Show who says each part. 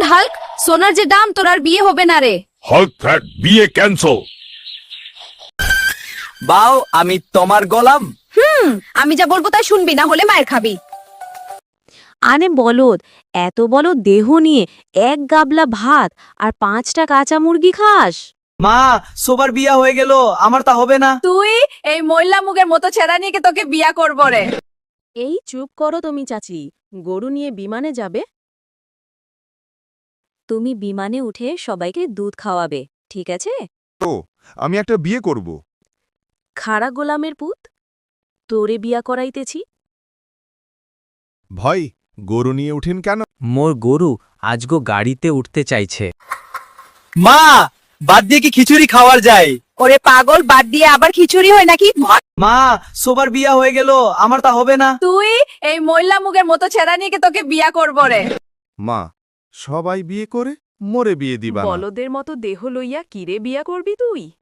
Speaker 1: Good Hulk, সোনার যে দাম, তোর আর বিয়ে হবে না রে।
Speaker 2: হাল্ক ফ্যাট, বিয়ে ক্যান্সেল।
Speaker 3: বাও, আমি তোমার গোলাম।
Speaker 1: আমি যা বলবো তাই শুনবি, না হলে মায়ের খাবি।
Speaker 4: আনে বলদ, এত বড় দেহ নিয়ে এক গাবলা ভাত আর 5টা কাঁচা মুরগি খাস?
Speaker 3: মা, সবার বিয়া হয়ে গেল, আমার তা হবে না।
Speaker 1: তুই এই ময়লা মুগের মতো ছেড়া নিয়ে তোকে বিয়া করবো রে।
Speaker 4: এই চুপ করো তুমি চাচি, গরু নিয়ে বিমানে যাবে? তুমি বিমানে উঠে সবাইকে দুধ খাওয়াবে, ঠিক আছে?
Speaker 2: আমি একটা বিয়ে করব।
Speaker 4: খাড়া গোলামের পুত, তোরে বিয়া করাইতেছি।
Speaker 2: ভাই, গরু নিয়ে উঠেন কেন?
Speaker 5: মোর গরু আজগো গাড়িতে উঠতে চাইছে।
Speaker 3: মা, বাদ দিয়ে কি খিচুড়ি খাওয়ার যায়?
Speaker 1: ওরে পাগল, বাদ দিয়ে আবার খিচুড়ি হয় নাকি?
Speaker 3: মা, সবার বিয়া হয়ে গেল, আমার তা হবে না।
Speaker 1: তুই এই ময়লা মুগের মতো ছেড়া নিয়ে তোকে বিয়া করবো রে।
Speaker 2: মা, সবাই বিয়ে করে মোরে বিয়ে দিবা না।
Speaker 4: বলদের মতো দেহ লইয়া কিরে বিয়া করবি তুই?